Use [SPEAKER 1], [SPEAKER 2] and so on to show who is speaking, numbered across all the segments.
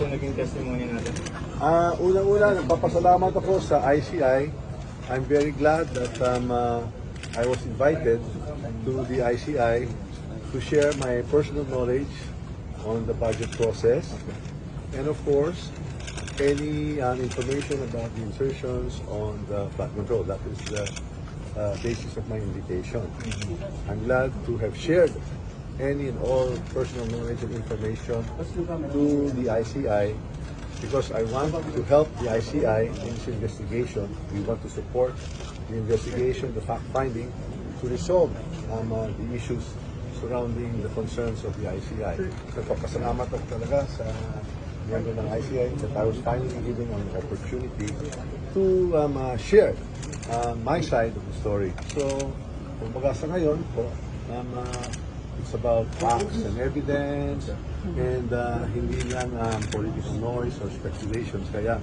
[SPEAKER 1] sa naging testimony natin?
[SPEAKER 2] Unang-una, nagpapasalamat ako sa ICI. I'm very glad that I was invited to the ICI to share my personal knowledge on the budget process. And of course, any information about the insertions on the flood control. That is the basis of my invitation. I'm glad to have shared any and all personal knowledge and information to the ICI because I want to help the ICI in its investigation. We want to support the investigation, the fact-finding, to resolve the issues surrounding the concerns of the ICI. Nagpapasalamat ako talaga sa member ng ICI that I was finally given an opportunity to share my side of the story. So, kumbaga sa ngayon po, it's about facts and evidence and hindi lang political noise or speculations. Kaya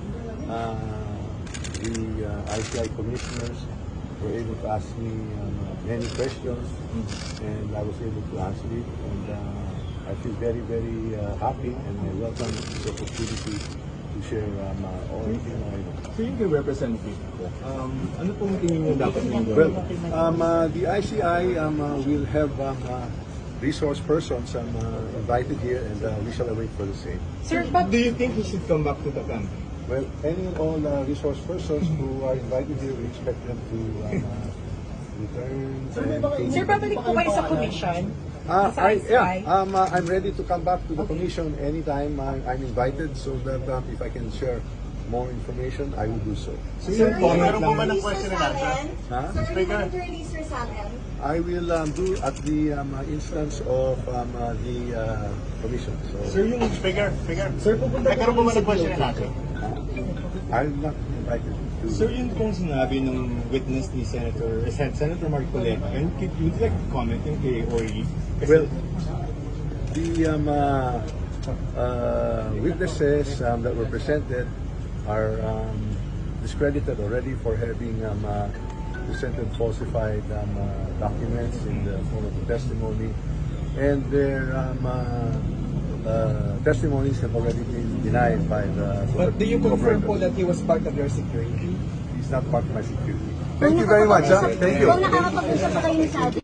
[SPEAKER 2] the ICI commissioners were able to ask me many questions and I was able to answer it. And I feel very, very happy and I welcome this opportunity to share everything I know.
[SPEAKER 1] So yung kay Representative, ano pong tingin niyo dapat nyo
[SPEAKER 2] Well, the ICI will have resource persons invited here and we shall await for the same.
[SPEAKER 1] Sir, but do you think he should come back to the country?
[SPEAKER 2] Well, any and all resource persons who are invited here, we expect them to return.
[SPEAKER 3] Sir, babalik po kayo sa commission?
[SPEAKER 2] I'm ready to come back to the commission anytime I'm invited so that if I can share more information, I will do so.
[SPEAKER 1] Sir,
[SPEAKER 4] Meron po ba ng question na natin?
[SPEAKER 2] Huh?
[SPEAKER 4] Speaker?
[SPEAKER 5] Sir, to release your sa akin?
[SPEAKER 2] I will do at the instance of the commission. So,
[SPEAKER 4] Sir, yung Speaker.
[SPEAKER 1] Sir, pupunta
[SPEAKER 4] Meron po ba ng question na natin?
[SPEAKER 2] I'm not invited to.
[SPEAKER 1] Sir, yun pong sinabi ng witness ni Senator Marcoleta, and would you like to comment yung kay Orly?
[SPEAKER 2] Well, the witnesses that were presented are discredited already for having presented falsified documents in the form of the testimony, and their testimonies have already been denied by the.
[SPEAKER 6] But do you confirm po that he was part of your security?
[SPEAKER 2] He's not part of my security. Thank you very much. Thank you.
[SPEAKER 5] Kung nakakapag-usap pa kayo ni Sabi.